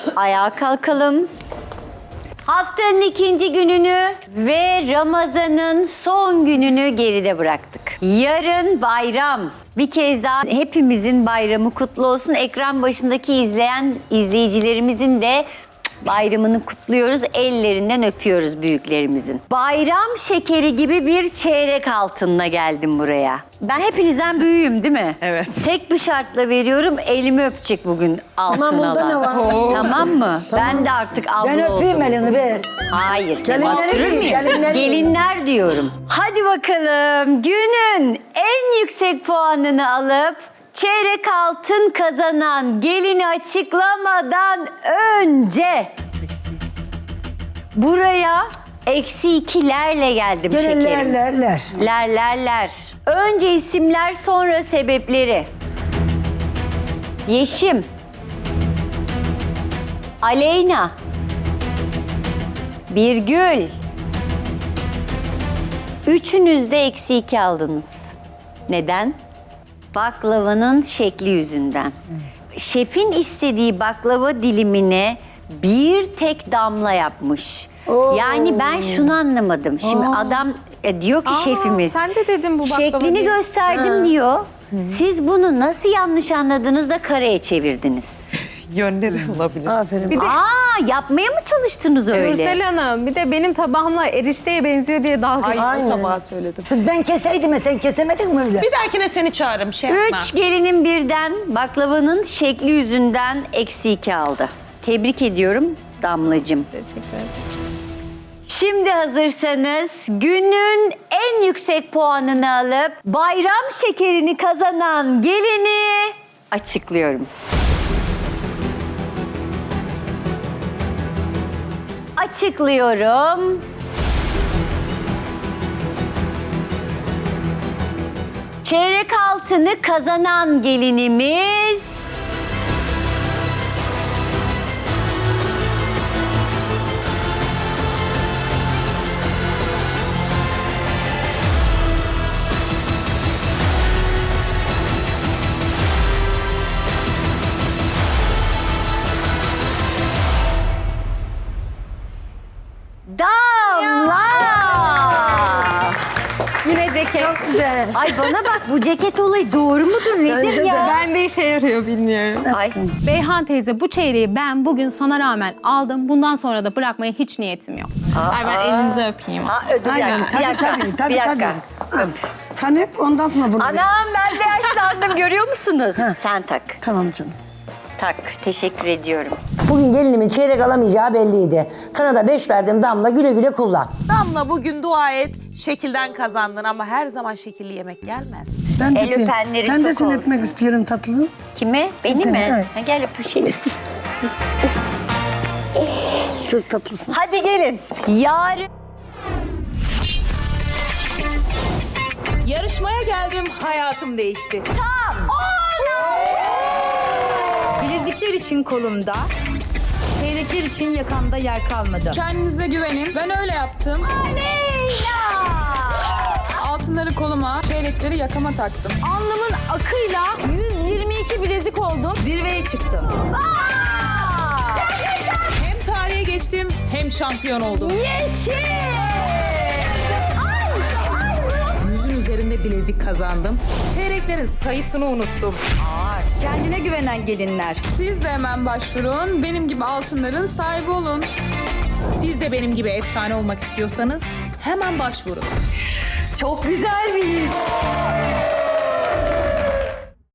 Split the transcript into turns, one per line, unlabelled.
Ayağa kalkalım. Haftanın ikinci gününü ve Ramazan'ın son gününü geride bıraktık. Yarın bayram. Bir kez daha hepimizin bayramı kutlu olsun. Ekran başındaki izleyen izleyicilerimizin de bayramını kutluyoruz. Ellerinden öpüyoruz büyüklerimizin. Bayram şekeri gibi bir çeyrek altınla geldim buraya. Ben hepinizden büyüğüm değil mi?
Evet.
Tek bir şartla veriyorum. Elimi öpecek bugün altın
Tamam, bunda ne var?
Tamam mı? Ben de artık abla
Ben öpeyim
oldum.
elini be.
Hayır.
Gelinleri
oturur
mi?
muyum?
Gelinleri mi?
Gelinler diyorum. Hadi bakalım. Günün en yüksek puanını alıp çeyrek altın kazanan gelini açıklamadan önce buraya -2'lerle geldim
Gene
şekerim.
ler.
Önce isimler, sonra sebepleri. Yeşim, Aleyna, Birgül. Üçünüz de -2 aldınız. Neden? Baklavanın şekli yüzünden. Şefin istediği baklava dilimini bir tek damla yapmış. Yani ben şunu anlamadım. Şimdi adam diyor ki şefimiz.
Sen de dedin bu baklava
şeklini
diye.
gösterdim diyor. Siz bunu nasıl yanlış anladınız da kareye çevirdiniz?
Yönleri olabilir.
Aferin.
Yapmaya mı çalıştınız öyle?
Nursel Hanım bir de benim tabağımla erişteye benziyor diye dalga
Aynen.
tabağı söyledim.
Kız ben keseydim ya, sen kesemedin mi öyle?
Bir dahakine seni çağırırım şey yapma.
3 gelinin birden baklavanın şekli yüzünden -2 aldı. Tebrik ediyorum Damlacığım.
Teşekkür ederim.
Şimdi hazırsanız günün en yüksek puanını alıp bayram şekerini kazanan gelini açıklıyorum. Açıklıyorum. Çeyrek altını kazanan gelinimiz Damla.
Yine ceket.
Güzel.
Ay bana bak, bu ceket olayı doğru mudur nedir
Bence de.
ya?
Ben de işe yarıyor bilmiyorum.
Ay.
Beyhan teyze, bu çeyreği ben bugün sana rağmen aldım. Bundan sonra da bırakmaya hiç niyetim yok.
Ay ben elinizi öpeyim.
Ödül
Aynen. Tabii.
bir dakika.
Sen hep ondan sonra bunu ver.
Anam, ben de yaşlandım, görüyor musunuz? Sen tak.
Tamam canım.
Tak. Teşekkür ediyorum.
Bugün gelinimin çeyrek alamayacağı belliydi. Sana da 5 verdim Damla, güle güle kullan.
Damla bugün dua et. Şekilden kazandın ama her zaman şekilli yemek gelmez.
Ben
El öpenleri
ben de
çok
seni
olsun.
öpmek istiyorum tatlım.
Kimi? Beni
Seni,
mi?
evet.
Ha, gel öpüşelim.
Çok tatlısın.
Hadi gelin. Yarın
Yarışmaya geldim, hayatım değişti.
Bilezikler için kolumda, çeyrekler için yakamda yer kalmadı.
Kendinize güvenin. Ben öyle yaptım. Altınları koluma, çeyrekleri yakama taktım.
Alnımın akıyla 122 bilezik oldum. Zirveye çıktım.
Hem tarihe geçtim, hem şampiyon oldum. Yüzün üzerinde bilezik kazandım. Çeyreklerin sayısını unuttum.
Kendine güvenen gelinler.
Siz de hemen başvurun. Benim gibi altınların sahibi olun.
Siz de benim gibi efsane olmak istiyorsanız hemen başvurun.
çok güzel bir his.